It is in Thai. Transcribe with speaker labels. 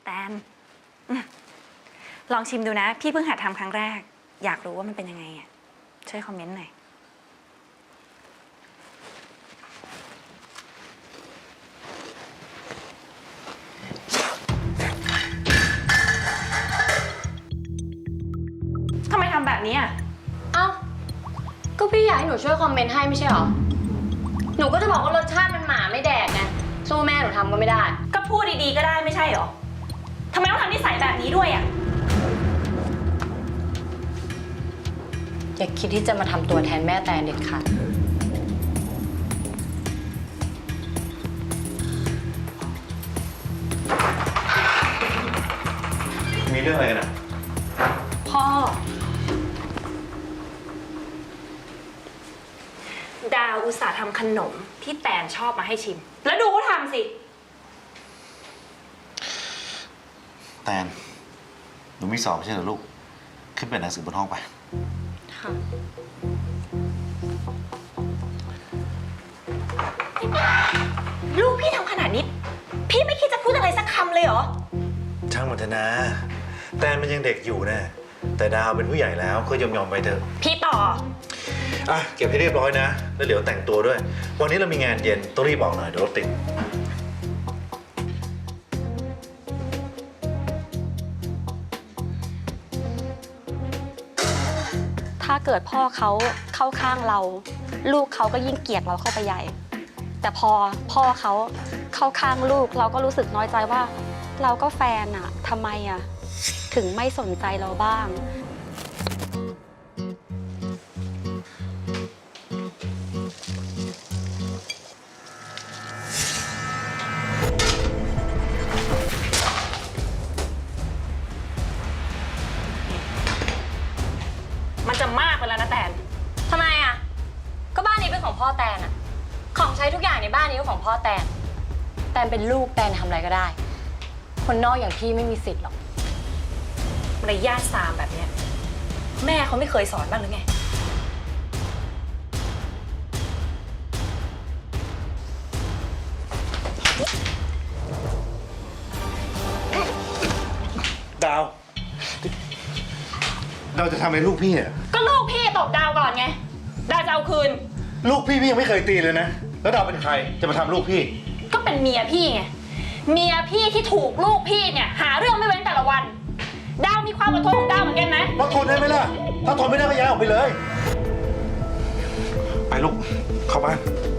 Speaker 1: แตนลองชิมดูนะ พี่เพิ่งหัดทำครั้งแรก อยากรู้ว่ามันเป็นยังไงอ่ะช่วยคอมเมนต์หน่อยทำไมทำแบบนี้อ่ะ
Speaker 2: เอ้าก็พี่อยากให้หนูช่วยคอมเมนต์ให้ไม่ใช่หรอหนูก็จะบอกว่ารสชาติมันหมาไม่แดกไงสู้แม่หนูทำก็ไม่ได้
Speaker 1: ก็พูดดีๆก็ได้ไม่ใช่หรอทำไมต้องทำนิสัยแบบนี้ด้วยอ่ะ
Speaker 2: อย่าคิดที่จะมาทำตัวแทนแม่แตนเด็ดขาด
Speaker 3: มีเรื่องอะไรกันอ่ะ
Speaker 1: พ่อดาวอุตส่าห์ทำขนมที่แตนชอบมาให้ชิมแล้วดูเขาทำสิ
Speaker 3: แตนหนูมีสอบไม่ใช่เหรอลูกขึ้นไปหนังสือบนห้องไป
Speaker 2: ค่ะ
Speaker 1: ลูกพี่ทำขนาดนี้พี่ไม่คิดจะพูดอะไรสักคำเลยเหรอ
Speaker 3: ช่างมันเถอะนะแตนมันยังเด็กอยู่นะแต่ดาวเป็นผู้ใหญ่แล้วก็ยอมไปเถอะ
Speaker 1: พี่ต่อ
Speaker 3: อ่ะเก็บให้เรียบร้อยนะแล้วเดี๋ยวแต่งตัวด้วยวันนี้เรามีงานเย็นต้องรีบบอกหน่อยเดี๋ยวรถติด
Speaker 4: ถ้าเกิดพ่อเขาเข้าข้างเราลูกเขาก็ยิ่งเกลียดเราเข้าไปใหญ่แต่พอพ่อเขาเข้าข้างลูกเราก็รู้สึกน้อยใจว่าเราก็แฟนอะทำไมอะถึงไม่สนใจเราบ้าง
Speaker 1: มันจะมากไปแล้วนะแตน
Speaker 2: ทำไมอะก็บ้านนี้เป็นของพ่อแตนอะของใช้ทุกอย่างในบ้านนี้ก็ของพ่อแตนแตนเป็นลูกแตนทำอะไรก็ได้คนนอกอย่างพี่ไม่มีสิทธิ์หรอก
Speaker 1: มารยาทสามแบบเนี้ยแม่เขาไม่เคยสอนบ้างหรือไง
Speaker 3: ดาวเราจะทำอะไรลูกพี่อ่ะ
Speaker 1: ก็ลูกพี่ตบดาวก่อนไงดาวจะเอาคืน
Speaker 3: ลูกพี่ยังไม่เคยตีเลยนะแล้วดาวเป็นใครจะมาทำลูกพี่
Speaker 1: ก็เป็นเมียพี่ไงเมียพี่ที่ถูกลูกพี่เนี่ยหาเรื่องไม่เว้นแต่ละวันดาวมีความอดทนของดาวเหมือนกันไหม
Speaker 3: เราทนได้ไหมล่ะถ้าทนไม่ได้ก็ย้ายออกไปเลยไปลูกเข้าบ้าน